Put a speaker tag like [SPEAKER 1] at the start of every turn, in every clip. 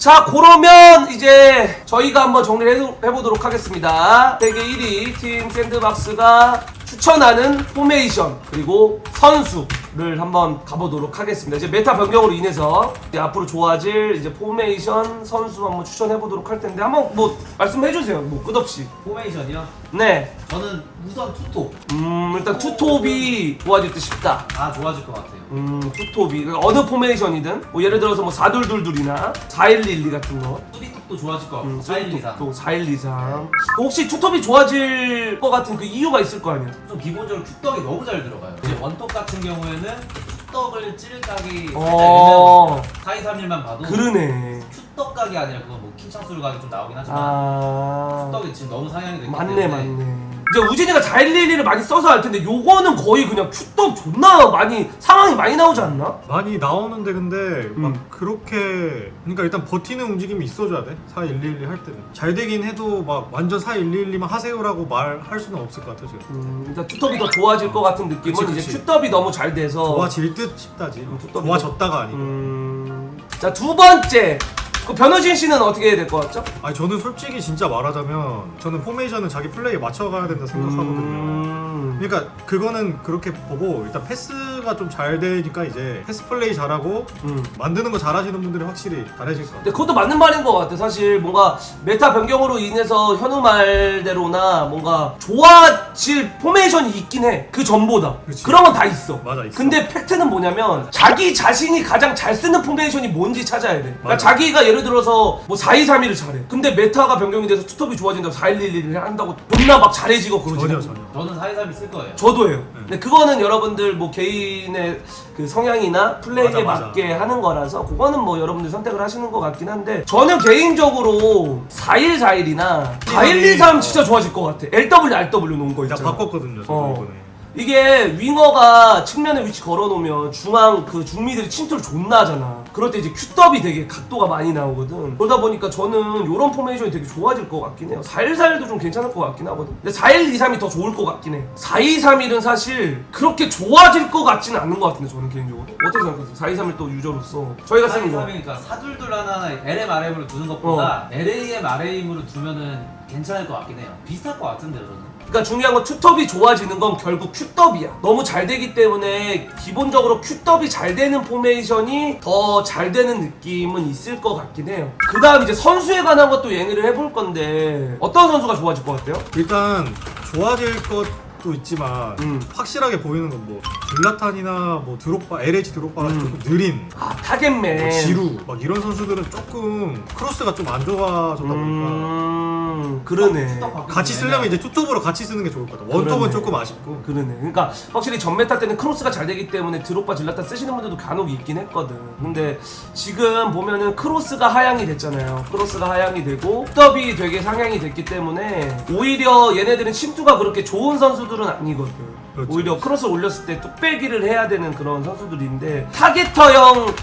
[SPEAKER 1] 자, 그러면 이제 저희가 한번 정리를 해보도록 하겠습니다. 세계 1위 팀 샌드박스가 추천하는 포메이션 그리고 선수를 한번 가보도록 하겠습니다. 이제 메타 변경으로 인해서 이제 앞으로 좋아질 이제 포메이션 선수 한번 추천해보도록 할 텐데 한번 뭐 말씀해주세요. 뭐 끝없이.
[SPEAKER 2] 포메이션이요?
[SPEAKER 1] 네.
[SPEAKER 2] 저는 우선 투톱.
[SPEAKER 1] 일단 투톱이 좋아질 듯 싶다.
[SPEAKER 2] 다 좋아질 것 같아요.
[SPEAKER 1] 투톱이 어느 포메이션이든 뭐 예를 들어서 뭐 422이나 4112 같은 거.
[SPEAKER 2] 수비톱도 좋아질 것 같고 4123.
[SPEAKER 1] 또 4123. 혹시 투톱이 좋아질 것 같은 그 이유가 있을 거 아니야?
[SPEAKER 2] 좀 기본적으로 큐떡이 너무 잘 들어가요. 이제 원톱 같은 경우에는 큐떡을 찌를 각이 살짝
[SPEAKER 1] 어.
[SPEAKER 2] 애매해요. 4231만 봐도
[SPEAKER 1] 그러네.
[SPEAKER 2] 큐떡 각이 아니라 그건 뭐 킹창수로 각이 좀 나오긴 하지만 큐떡이 지금 너무 상향이 됐기
[SPEAKER 1] 맞네
[SPEAKER 2] 때문에
[SPEAKER 1] 맞네. 이제 우진이가 4111을 많이 써서 할 텐데 요거는 거의 그냥 큐떡 존나 많이 상황이 많이 나오지 않나?
[SPEAKER 3] 많이 나오는데 근데 막 그렇게 그러니까 일단 버티는 움직임이 있어줘야 돼. 4111 할 때는 잘 되긴 해도 막 완전 4111만 하세요라고 말할 수는 없을 것 같아 지금.
[SPEAKER 1] 일단 투톱이 더 좋아질 것 같은 느낌은
[SPEAKER 3] 그치,
[SPEAKER 1] 이제
[SPEAKER 3] 그치.
[SPEAKER 1] 큐떡이 너무 잘 돼서
[SPEAKER 3] 좋아질 듯 싶다지.
[SPEAKER 1] 투톱이
[SPEAKER 3] 좋아졌다가 아니고.
[SPEAKER 1] 자, 두 번째. 그 변호진 씨는 어떻게 해야 될 것 같죠?
[SPEAKER 3] 아니 저는 솔직히 진짜 말하자면 저는 포메이션은 자기 플레이에 맞춰가야 된다 생각하거든요. 그러니까 그거는 그렇게 보고 일단 패스가 좀 잘 되니까 이제 패스 플레이 잘하고 만드는 거 잘하시는 분들이 확실히 잘해질 것 같아요.
[SPEAKER 1] 근데 그것도 맞는 말인 것 같아. 사실 뭔가 메타 변경으로 인해서 현우 말대로나 뭔가 좋아질 포메이션이 있긴 해. 그 전보다.
[SPEAKER 3] 그치.
[SPEAKER 1] 그런 건 다 있어.
[SPEAKER 3] 맞아, 있어.
[SPEAKER 1] 근데 팩트는 뭐냐면 자기 자신이 가장 잘 쓰는 포메이션이 뭔지 찾아야 돼. 그러니까
[SPEAKER 3] 맞아.
[SPEAKER 1] 자기가 예를 들어서 뭐 4231을 잘해. 근데 메타가 변경이 돼서 투톱이 좋아진다고 4111을 한다고 존나 막 잘해지고 그러지.
[SPEAKER 3] 전혀.
[SPEAKER 2] 저는 4231 쓸 거예요.
[SPEAKER 1] 저도 해요. 근데 그거는 여러분들 뭐 개인의 그 성향이나 플레이에
[SPEAKER 3] 맞아.
[SPEAKER 1] 맞게 하는 거라서 그거는 뭐 여러분들 선택을 하시는 것 같긴 한데 저는 개인적으로 4141이나 4123 진짜 좋아질 것 같아. LW, RW 놓은 거
[SPEAKER 3] 나
[SPEAKER 1] 있잖아.
[SPEAKER 3] 바꿨거든요 저도
[SPEAKER 1] 어.
[SPEAKER 3] 이번에.
[SPEAKER 1] 이게 윙어가 측면에 위치 걸어놓으면 중앙 그 중미들이 침투를 존나 하잖아. 그럴 때 이제 큐더비 되게 각도가 많이 나오거든. 그러다 보니까 저는 요런 포메이션이 되게 좋아질 것 같긴 해요. 4141도 좀 괜찮을 것 같긴 하거든. 근데 4123이 더 좋을 것 같긴 해. 4231은 사실 그렇게 좋아질 것 같지는 않는 것 같은데 저는 개인적으로. 어떻게 생각하세요? 4231 또 유저로서 저희가 쓰는 거.
[SPEAKER 2] 4231이니까 사둘둘 하나 LM RM으로 두는 것보다 LAM RM으로 두면은 괜찮을 것 같긴 해요. 비슷할 것 같은데요 저는.
[SPEAKER 1] 그러니까 중요한 건 투톱이 좋아지는 건 결국 큐더비야. 너무 잘 되기 때문에 기본적으로 큐더비 잘 되는 포메이션이 더 잘 되는 느낌은 있을 것 같긴 해요. 그 다음 이제 선수에 관한 것도 얘기를 해볼 건데 어떤 선수가 좋아질 것 같아요?
[SPEAKER 3] 일단 좋아질 것도 있지만 확실하게 보이는 건 뭐 줄라탄이나 뭐 드록바, LH 드록바가 조금 느린
[SPEAKER 1] 아, 타겟맨.
[SPEAKER 3] 뭐 지루 막 이런 선수들은 조금 크로스가 좀 안 좋아졌다 보니까
[SPEAKER 1] 그러네.
[SPEAKER 3] 같이 쓰려면 이제 투톱으로 같이 쓰는 게 좋을 것 같아. 원톱은
[SPEAKER 1] 그러네.
[SPEAKER 3] 조금 아쉽고.
[SPEAKER 1] 그러네. 그러니까 확실히 전메타 때는 크로스가 잘 되기 때문에 드롭바 질라탄 쓰시는 분들도 간혹 있긴 했거든. 근데 지금 보면은 크로스가 하향이 됐잖아요. 크로스가 하향이 되고 톱이 되게 상향이 됐기 때문에 오히려 얘네들은 침투가 그렇게 좋은 선수들은 아니거든.
[SPEAKER 3] 그렇죠.
[SPEAKER 1] 오히려 크로스 올렸을 때 뚝배기를 해야 되는 그런 선수들인데 타겟터형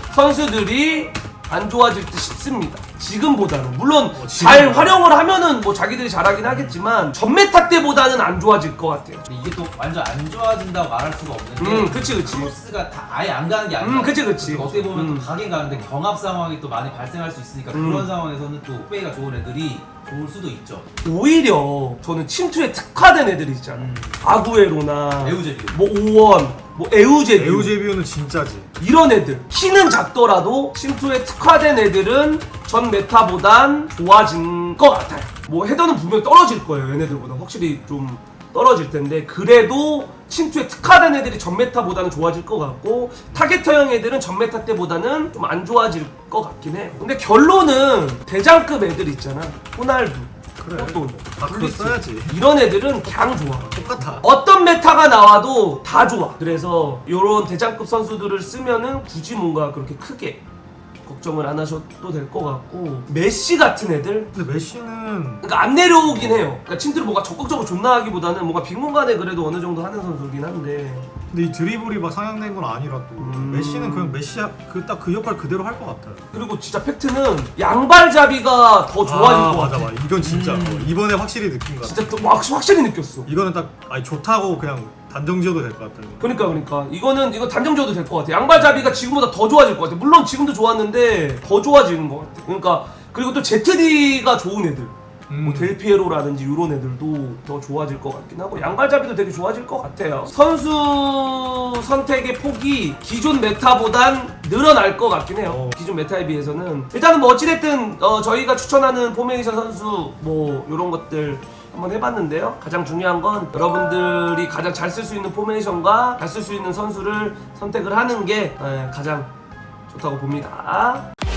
[SPEAKER 1] 선수들이 안 좋아질 듯 싶습니다. 지금보다는 물론 잘 활용을 하면은 뭐 자기들이 잘하긴 하겠지만 전메타 때보다는 안 좋아질 것 같아요.
[SPEAKER 2] 근데 이게 또 완전 안 좋아진다고 말할 수가 없는 게
[SPEAKER 1] 그치.
[SPEAKER 2] 크로스가 다 아예 안 가는 게 아니라
[SPEAKER 1] 그치.
[SPEAKER 2] 어떻게 보면 또 가긴 가는데 경합 상황이 또 많이 발생할 수 있으니까 그런 상황에서는 또 플레이가 좋은 애들이 좋을 수도 있죠.
[SPEAKER 1] 오히려 저는 침투에 특화된 애들이 있잖아. 아구에로나
[SPEAKER 2] 에우제비오.
[SPEAKER 1] 뭐 오원, 뭐 에우제비오
[SPEAKER 3] 에우제비오는 진짜지.
[SPEAKER 1] 이런 애들 키는 작더라도 침투에 특화된 애들은 전 메타보단 좋아진 것 같아요. 뭐 헤더는 분명히 떨어질 거예요. 얘네들보다 확실히 좀 떨어질 텐데 그래도 침투에 특화된 애들이 전 메타보다는 좋아질 것 같고 타겟터형 애들은 전 메타 때보다는 좀 안 좋아질 것 같긴 해요. 근데 결론은 대장급 애들 있잖아. 호날두,
[SPEAKER 3] 그래.
[SPEAKER 1] 포돈,
[SPEAKER 3] 다 그거 써야지.
[SPEAKER 1] 이런 애들은 그냥 좋아.
[SPEAKER 3] 똑같아.
[SPEAKER 1] 어떤 메타가 나와도 다 좋아. 그래서 요런 대장급 선수들을 쓰면은 굳이 뭔가 그렇게 크게 걱정을 안 하셔도 될 것 같고 메시 같은 애들
[SPEAKER 3] 근데 메시는
[SPEAKER 1] 그러니까 안 내려오긴 해요. 그러니까 침투를 뭔가 적극적으로 존나 하기보다는 뭔가 빈공간에 그래도 어느 정도 하는 선수긴 한데
[SPEAKER 3] 근데 이 드리블이 막 상향된 건 아니라 또 메시는 그냥 메시 딱 그 역할 그대로 할 것 같아요.
[SPEAKER 1] 그리고 진짜 팩트는 양발잡이가 더 좋아진 것 같아.
[SPEAKER 3] 맞아. 이건 진짜 이번에 확실히 느낀 것 같아.
[SPEAKER 1] 진짜 또 확실히 느꼈어.
[SPEAKER 3] 이거는 딱 아니 좋다고 그냥 단정 지어도 될 것 같아요.
[SPEAKER 1] 그러니까 이거 단정 지어도 될 것 같아. 양발잡이가 지금보다 더 좋아질 것 같아. 물론 지금도 좋았는데 더 좋아지는 것 같아. 그러니까 그리고 또 ZD가 좋은 애들, 뭐 델피에로라든지 이런 애들도 더 좋아질 것 같긴 하고 양발잡이도 되게 좋아질 것 같아요. 선수 선택의 폭이 기존 메타보단 늘어날 것 같긴 해요. 기존 메타에 비해서는 일단은 뭐 어찌됐든 저희가 추천하는 포메이션 선수 뭐 이런 것들 한번 해봤는데요. 가장 중요한 건 여러분들이 가장 잘 쓸 수 있는 포메이션과 잘 쓸 수 있는 선수를 선택을 하는 게 가장 좋다고 봅니다.